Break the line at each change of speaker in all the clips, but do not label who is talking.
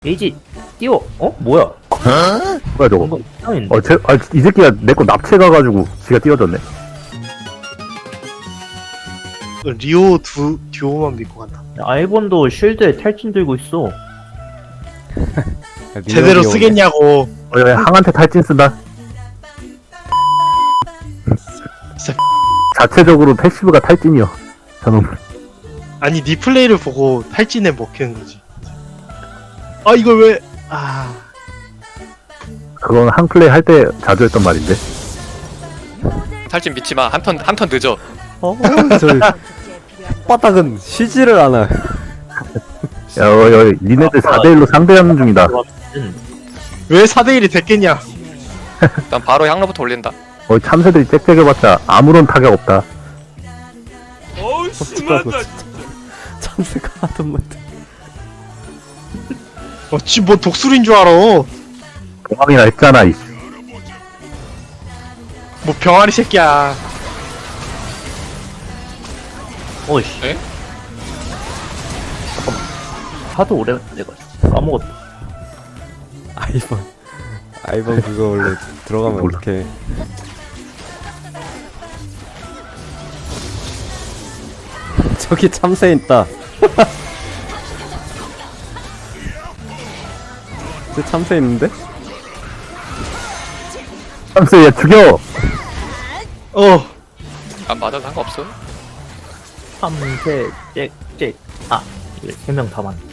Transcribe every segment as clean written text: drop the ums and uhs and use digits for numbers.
게이지 띄워. 어? 뭐야?
뭐야 저거?
뭔가 이상한데.
이 새끼가 내 거 납치해가가지고 지가 띄워졌네.
리오 듀오만 믿고 간다.
아이본도 쉴드에 탈진 들고 있어.
제대로 쓰겠냐고.
왜 항한테 탈진 쓴다?
진짜
자체적으로 패시브가 탈진이요. 저놈.
아니 네 플레이를 보고 탈진에 먹히는 거지. 아 이걸 왜? 아
그건 한 플레이 할 때 자주 했던 말인데.
탈진 믿지마. 한 턴 늦어.
저 바닥은 쉬지를 않아.
니네들 4대1로 상대하는 중이다.
왜 4대1이 됐겠냐?
난 바로 향로부터 올린다.
참새들이 짹짹해봤자 아무런 타격 없다.
참새가 하던 말.
어찌 뭐 독수리인 줄 알아?
공항이나 했잖아. 이
뭐 병아리 새끼야.
어이씨.
에?
하도 오래 내가 까먹었다.
아이번 그거 원래 들어가면
몰라.
어떡해. 저기 참새 있다. 저 참새 있는데?
참새 얘 죽여.
안 맞아도 상관없어.
참새 짹짹. 아, 이게 3명 다 맞네.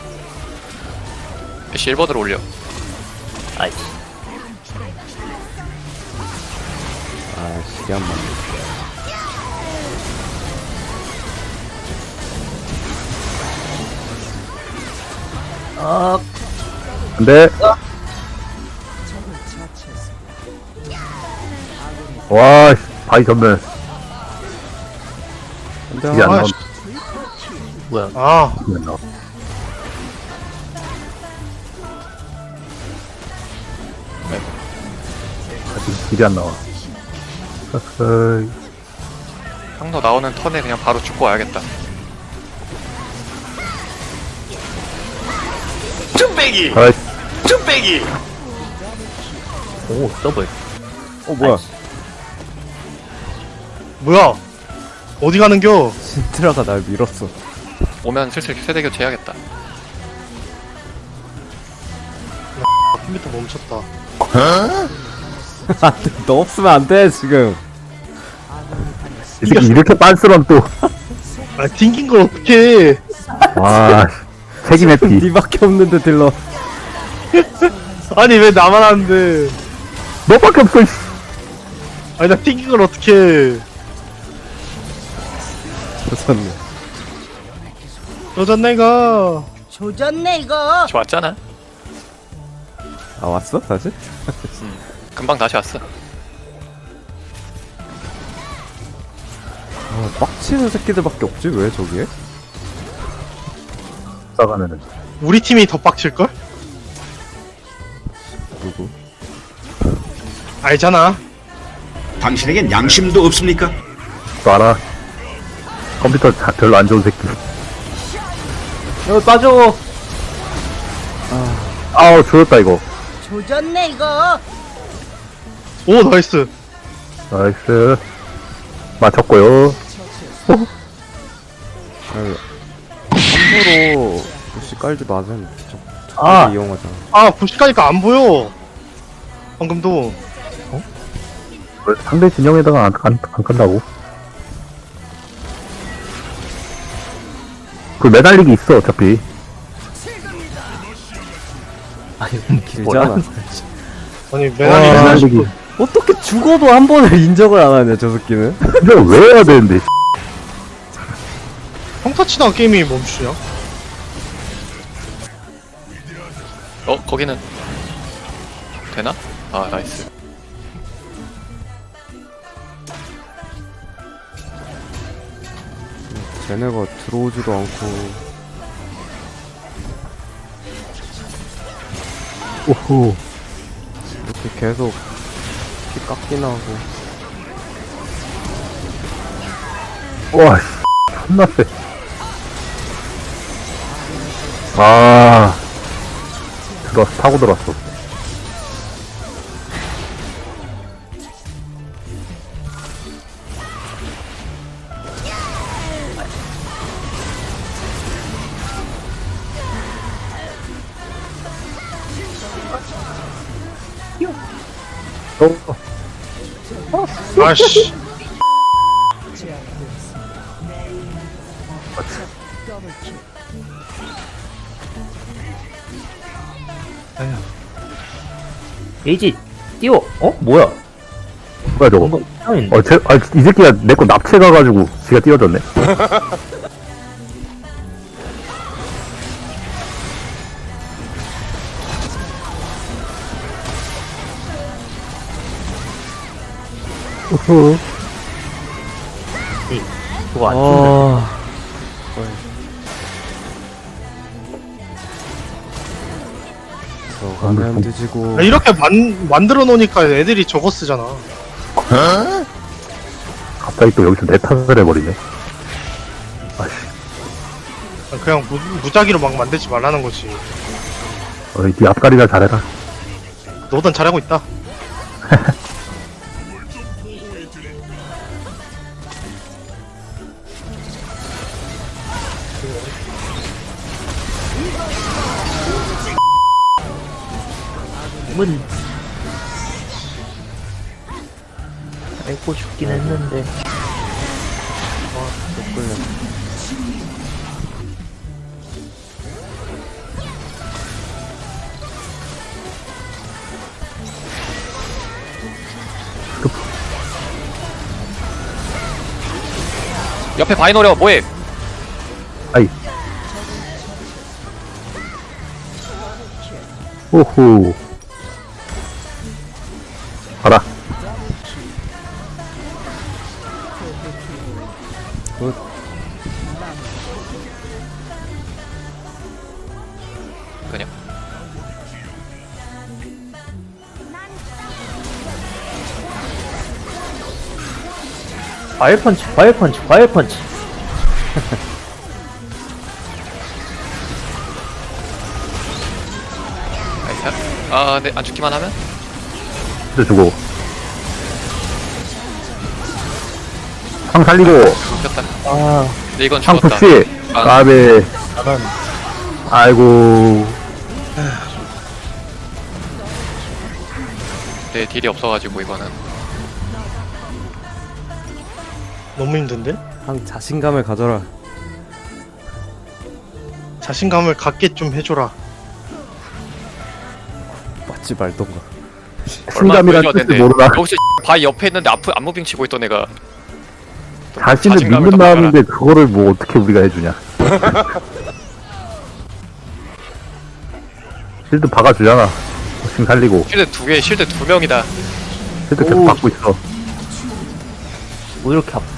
실버드로 올려.
아이씨.
아, 시계 한 번.
아,
근데 와 바위 전멸.
근데
이게 안
아,
나온.
뭐야?
아
이게 안 나와. 아직 길이 안 나와. 어허이.
향로 나오는 턴에 그냥 바로 죽고 와야겠다. 쭈빼기!
아이,
쭈빼기!
오, 더블.
뭐야?
뭐야? 어디 가는겨?
신트라가 날 밀었어.
오면 슬슬 세대교 재야겠다.
컴퓨터 멈췄다.
안 돼, 너 없으면 안 돼, 지금.
이 새끼 이렇게 빤스런 또.
아 튕긴 걸 어떻게?
와, 책임 회피.
니밖에 없는데, 딜러.
아니 왜 나만 하는데?
너밖에 없어. 씨.
아니 나 튕긴 걸 어떻게?
조졌네.
여전 내가.
조졌네 이거.
좋았잖아.
아, 왔어? 다시?
금방 다시 왔어.
아, 빡치는 새끼들밖에 없지, 왜 저기에?
싸가면은.
우리 팀이 더 빡칠 걸?
누구?
알잖아.
당신에겐 양심도 없습니까?
또 알아. 컴퓨터 별로 안 좋은 새끼.
여기 빠져!
아우, 죽었다, 이거.
조졌네 이거.
오 나이스.
나이스. 맞췄고요.
함부로 부시 깔지 마세요.
아.
이용하잖아.
아 부시가니까 안 보여. 방금도.
왜 상대 진영에다가 안 간다고? 그 매달리기 있어, 어차피.
아니,
길잖아.
아니
와,
매달리기.
매달리기.
어떻게 죽어도 한 번을 인정을 안 하냐, 저 새끼는?
근데 왜 해야 되는데?
평타 치다가 게임이 멈추냐?
거기는 되나? 아, 나이스.
쟤네가 들어오지도 않고.
오호.
이렇게 계속 피 깎이나 하고.
와, 씨. 존나 세. 아, 들어왔어. 타고 들어왔어.
아씨.
에이지 띄워. 어? 뭐야?
뭐야 저거?
뭔가 이상한데?
이 새끼가 내 거 납치 가가지고 지가 띄워졌네. 우후.
그거 안 죽는다.
들어가면 뒤지고.
아, 이렇게 만들어 놓으니까 애들이 저거 쓰잖아.
갑자기 또 여기서 내 탓을 해버리네. 아씨,
그냥 무작위로 막 만들지 말라는 거지.
네 앞가리나 잘해라.
너든 잘하고 있다.
문. 아이고 죽긴 했는데.
옆에 바위 노려 뭐해?
아이. 오호. 가라.
그냥
과일 펀치, 과일 펀치, 과일 펀치.
나이스. 아 근데 안 죽기만 하면?
진짜 주고. 상 살리고.
죽였다.
아,
근데 이건
상
죽었다.
푸시.
아.
까베. 아이고.
내 딜이 없어가지고 이거는.
너무 힘든데?
항 자신감을 가져라.
자신감을 갖게 좀 해줘라.
맞지 말던가.
자신감이란 뜻을 모르나.
여기서 바위 옆에 있는데 앞에 안무빙 치고 있던 애가
자신을
자신감을
믿는
더
마음인데 그거를 뭐 어떻게 우리가 해주냐. 실드 박아주잖아. 지금 살리고.
실드 2개, 실드 2명이다.
실드 계속
오.
받고 있어.
뭐 이렇게 아파.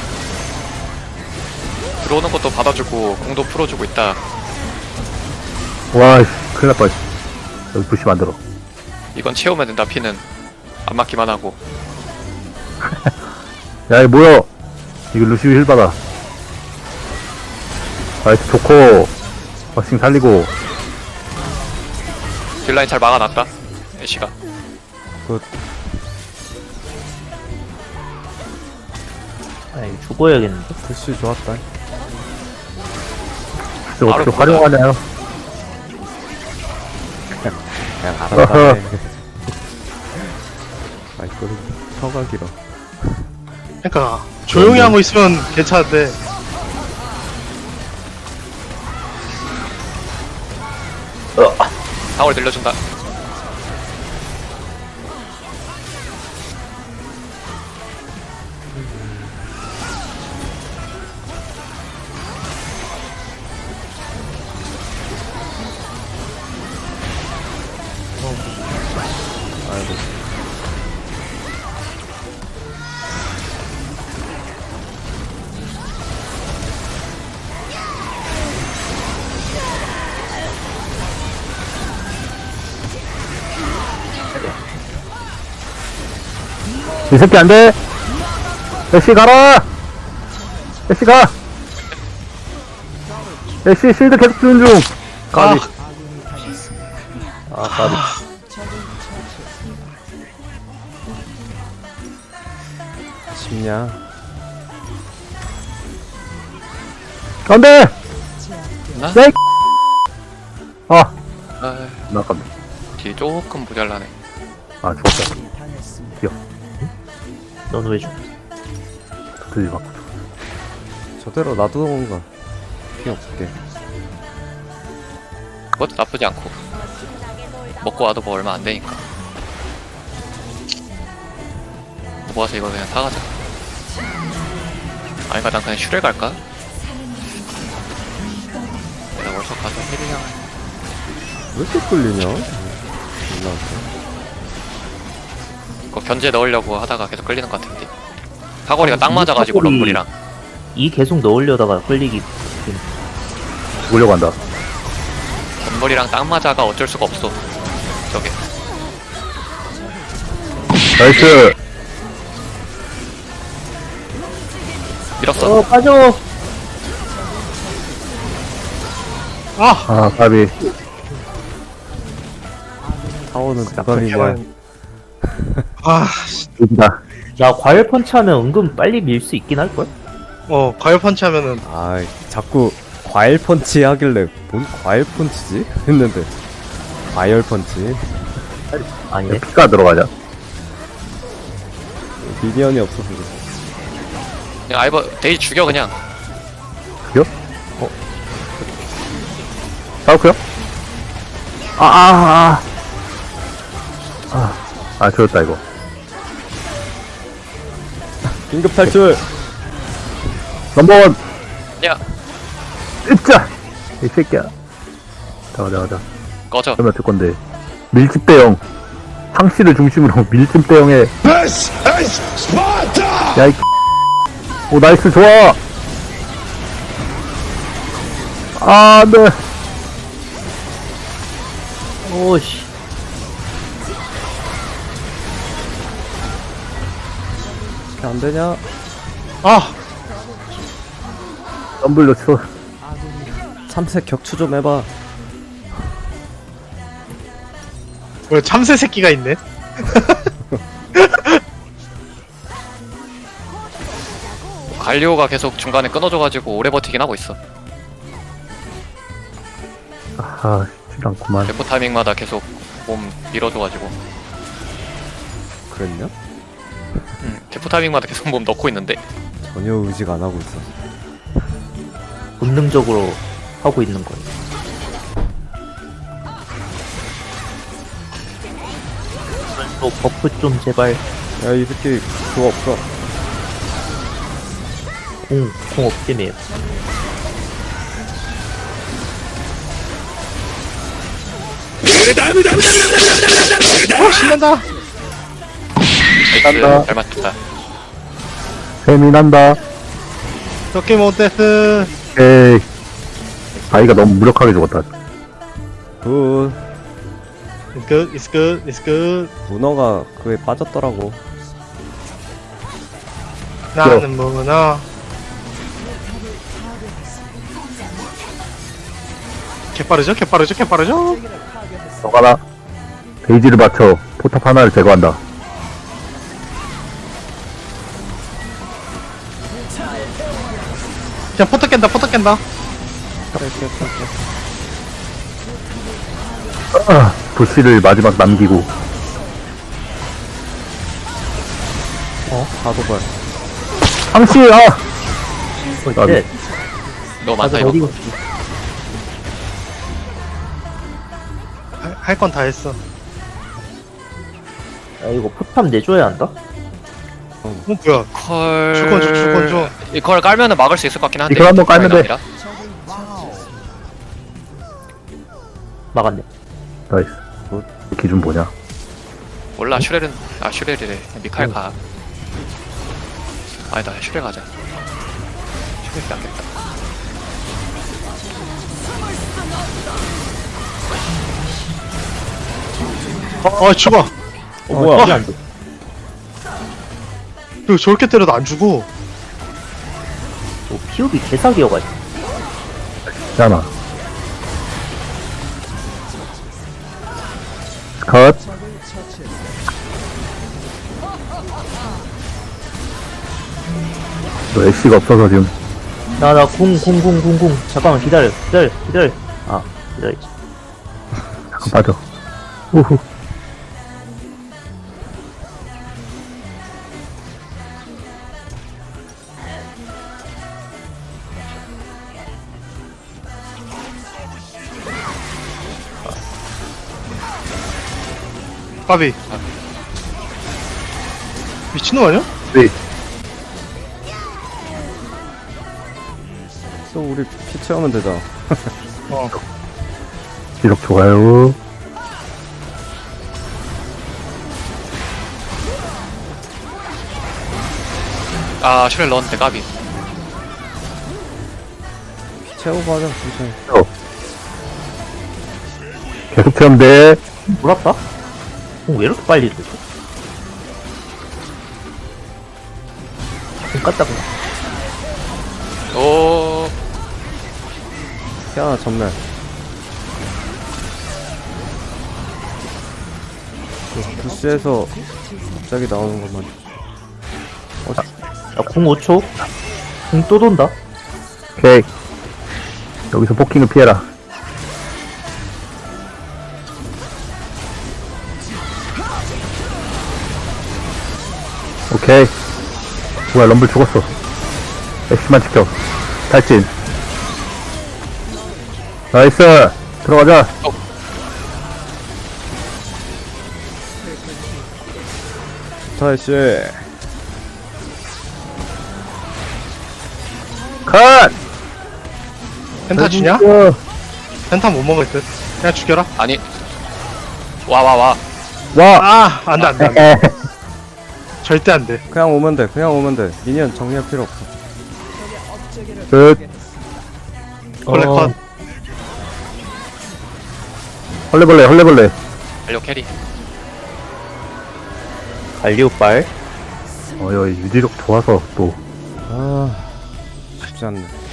들어오는 것도 받아주고 공도 풀어주고 있다.
와, 씨, 큰일 날 뻔. 여기 부시 만들어.
이건 채우면 된다. 피는 안 맞기만 하고.
야, 이 뭐야? 이거 루시우 힐 받아. 나이스 좋고. 버싱 살리고.
딜라인 잘 막아놨다. 애쉬가.
아이, 죽어야겠는데.
글씨 좋았다.
저거 어떻게
바로
활용하냐요?
그냥 알아봐. 아이고, 혀가 길어.
그러니까 조용히 하고 있으면 괜찮은데
타월 늘려준다.
이 새끼 안 돼! 애쉬 가라! 애쉬 가! 애쉬 실드 계속 주는 중! 까비.
아, 까비.
쉽냐?
안 돼!
나?
네! 아,
아,
나 깜
뒤 조금 모자라네.
아, 죽었다.
넌 왜 죽?
들리 맞고.
저대로 놔두는 건가? 필요 없게.
그것도 나쁘지 않고. 먹고 와도 뭐 얼마 안 되니까. 모아서 이거 그냥 사가자. 아니까 난 그냥 슈레 갈까? 내가 월석 가서 힐이랑
왜 이렇게 끌리냐? 몰라.
이거 견제 넣으려고 하다가 계속 끌리는 것 같은데. 사거리가 딱
이
맞아가지고
사거리-
럼블이랑.
이 계속 넣으려다가 끌리기.
죽으려고 한다.
럼블이랑 딱 맞아가 어쩔 수가 없어. 저게.
나이스!
밀었어.
빠져!
아, 까비.
타워는 대박이냐?
아,
여기다.
나 과열 펀치 하면 은근 빨리 밀 수 있긴 할걸?
과열 펀치 하면은
아, 자꾸 과일 펀치 하길래 뭔 과일 펀치지? 했는데 과열 펀치.
아니네.
피가 들어가냐?
미니언이 없어서 그래.
그냥 아이버 데이 죽여 그냥.
싸울게요? 저였다, 이거.
긴급 탈출.
넘버원!
야
으짜! 이 새끼야. 가자.
꺼져.
그러면 어쩔 건데. 밀집 대형. 상씨를 중심으로 밀집 대형에. 야, 이 오, 나이스, 좋아! 아, 안 돼.
오씨.
안 되냐?
아,
덤블로 쳐.
참새 격추 좀 해봐.
왜 참새 새끼가 있네?
갈리오가 계속 중간에 끊어져가지고 오래 버티긴 하고 있어.
아, 쉽지 않구만.
대포 타이밍마다 계속 몸 밀어줘가지고.
그랬냐?
대포 타이밍마다 계속 몸 넣고 있는데.
전혀 의식 안 하고 있어.
본능적으로 하고 있는 거야. 또 버프 좀 제발.
야, 이 새끼 그거 없어.
공 없지매요.
신난다.
나이스. 잘 맞췄다.
뱀이 난다.
도끼몬 데스.
에이. 아이가 너무 무력하게 죽었다.
굿.
It's good.
문어가 그에 빠졌더라고.
나는 문어. 개빠르죠?
너가라. 데이지를 맞춰 포탑 하나를 제거한다.
그냥 포터 깬다.
부시를 마지막 남기고.
사도발.
상씨,
쉣.
너무 많다
나도
이거.
어디 갔지?
할 건 다 했어.
야, 이거 포탑 내줘야 한다?
뭐야?
컬.
주권 줘.
이걸 깔면은 막을 수 있을 것 같긴 한데.
이걸 한번 깔면 돼.
아니라.
막았네.
나이스. 기준 뭐냐?
몰라 슈렐은 슈렐이래. 미칼 가. 아니다 슈렐 가자. 슈렐이 낫겠다.
죽어.
뭐야? 이게 안 돼.
이거 저렇게 때려도 안 죽어.
피업이 개사기여가지고.
있잖아. 컷. 너 애쉬가 없어서 지금
나 궁. 잠깐만, 기다려. 아, 기다려.
잠깐 빠져. 우후.
까비. 미친놈 아니야?
네.
또 우리 피 채우면 되잖아.
지속 좋아요.
아 슈렐 넣었는데 까비.
피 채우고 하자, 천천히.
계속 채우면 돼.
몰랐다? 왜 이렇게 빨리 되지? 좀 깠다, 그냥.
오
피 하나 전멸. 부스에서 갑자기 나오는 것만.
야, 궁 5초? 궁 또 돈다?
오케이. 여기서 포킹을 피해라. 오케이. 뭐야, 럼블 죽었어. 애쉬만 지켜. 탈진. 나이스. 들어가자.
타이씨.
컷!
펜타 주냐?
어,
펜타 못 먹을 듯. 그냥 죽여라.
아니 와.
와.
아, 안 돼, 안 돼, 안 돼.
에.
절대 안 돼.
그냥 오면 돼, 그냥 오면 돼. 미니언 정리할 필요 없어.
끝.
원래 컷.
헐레벌레.
완료 캐리.
갈리오빨.
여기 유지력 좋아서 또.
아, 쉽지 않네.